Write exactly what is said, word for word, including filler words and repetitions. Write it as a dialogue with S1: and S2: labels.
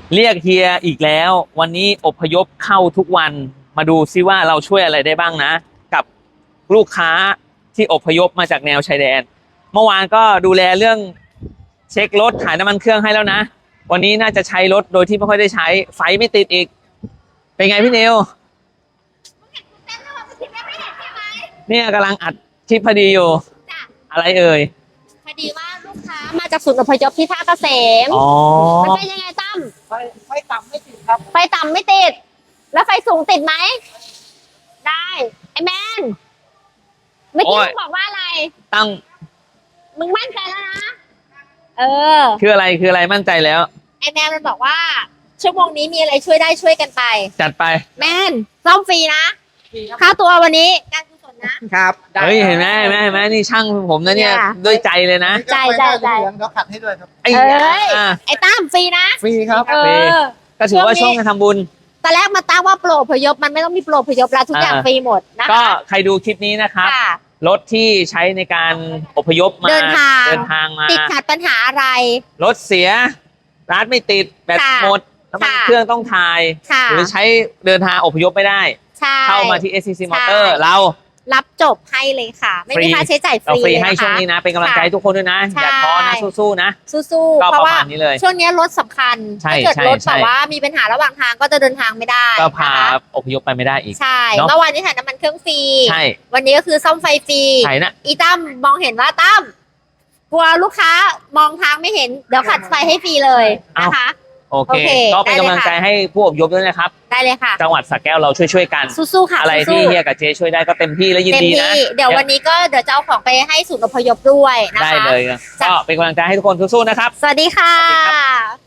S1: เรียกเฮียอีกแล้ววันนี้อพยพเข้าทุกวันมาดูซิว่าเราช่วยอะไรได้บ้างนะกับลูกค้าที่อพยพมาจากแนวชายแดนเมื่อวานก็ดูแลเรื่องเช็ครถถ่ายน้ำมันเครื่องให้แล้วนะวันนี้น่าจะใช้รถโดยที่ไม่ค่อยได้ใช้ไฟไม่ติดอีกเป็นไงพี่นิวเนี่ยกำลังอัดคลิปพอดีอยู่อะไรเอ่ย
S2: พอดีว่าลูกค้ามาจากศูนย์อพยพที่ท่าเกษม
S1: อ๋อ
S2: มันเป็นยังไงตั้ม
S3: ไฟไฟต่ำไม่ติดครับ
S2: ไฟต่ำไม่ติด แล้วไฟสูงติดไหมได้ไอแมนเมื่อกี้มึงบอกว่าอะไร
S1: ตั้ง
S2: มึงมั่นใจแล้วนะเออ
S1: คืออะไรคืออะไรมั่นใจแล้ว
S2: ไอแมนมันบอกว่าชั่วโมงนี้มีอะไรช่วยได้ช่วยกันไป
S1: จัดไป
S2: แมนซ่อมฟรีนะค่าตัววันนี้การกุศลนะครับ
S1: เฮ้ยเห็นไหมเห็นไหมเห็นไหมนี่ช่างผมนะเนี่ยด้วยใจเลยนะ
S2: ใจใจใจ
S3: เดี๋ยวขัดให้ด้วยครับ
S1: ไอ้
S2: ไอ้ตั้มฟรีนะ
S3: ฟรีครับ
S2: เออ
S1: ก็ถือว่าช่วงการทำบุญ
S2: ตอนแรกมาตั้งว่าโปรอพยพมันไม่ต้องมีโปรอพยพแล้วทุกอย่างฟรีหมดนะคะ
S1: ก็ใครดูคลิปนี้นะครับรถที่ใช้ในการอพยพมา
S2: เดินทาง
S1: เดินทางมา
S2: ติดขัดปัญหาอะไร
S1: รถเสียร้านไม่ติดแบตหมดน้ำมันเครื่องต้องถ่ายหรือใช้เดินทางอพยพไม่ได้เข้ามาที่ เอส ซี ซี Motor เรา
S2: รับจบให้เลยค่ะไม่มีค่าใช้จ่ายฟรี
S1: เราฟรีให้ช่วงนี้นะเป็นกำลังใจทุกคนด้วยนะอย่าท้อนะสู้ๆนะ
S2: สู้ๆเพราะว่าช่วงนี้รถสำคัญถ้าเกิดรถแบบว่ามีปัญหาระหว่างทางก็จะเดินทางไม่ได้
S1: ก็พาอพยพไปไม่ได้อีก
S2: ใช่เมื่อวานนี้ถ่ายน้ำมันเครื่องฟรี
S1: ใช่
S2: วันนี้ก็คือซ่อมไฟฟรี
S1: ใช่นะ
S2: อีตั้มมองเห็นว่าตั้มกลัวลูกค้ามองทางไม่เห็นเดี๋ยวขัดไฟให้ฟรีเลยนะคะ
S1: โอเคก็เป็นกำลังใจให้ผู้อพยพด้วยนะครับ
S2: ได้เลยค่ะ
S1: จังหวัดสระแก้วเราช่วยๆกัน
S2: สู้ๆค่ะ
S1: อะไรที่เฮียกับเจช่วยได้ก็เต็มที่และยินดีนะ
S2: เดี๋ยววันนี้ก็เดี๋ยวจะเอาของไปให้ศูนย์อพยพด้วยนะคะ
S1: ได้เลยก็เป็นกำลังใจให้ทุกคนสู้ๆนะครับ
S2: สวัสดีค่ะ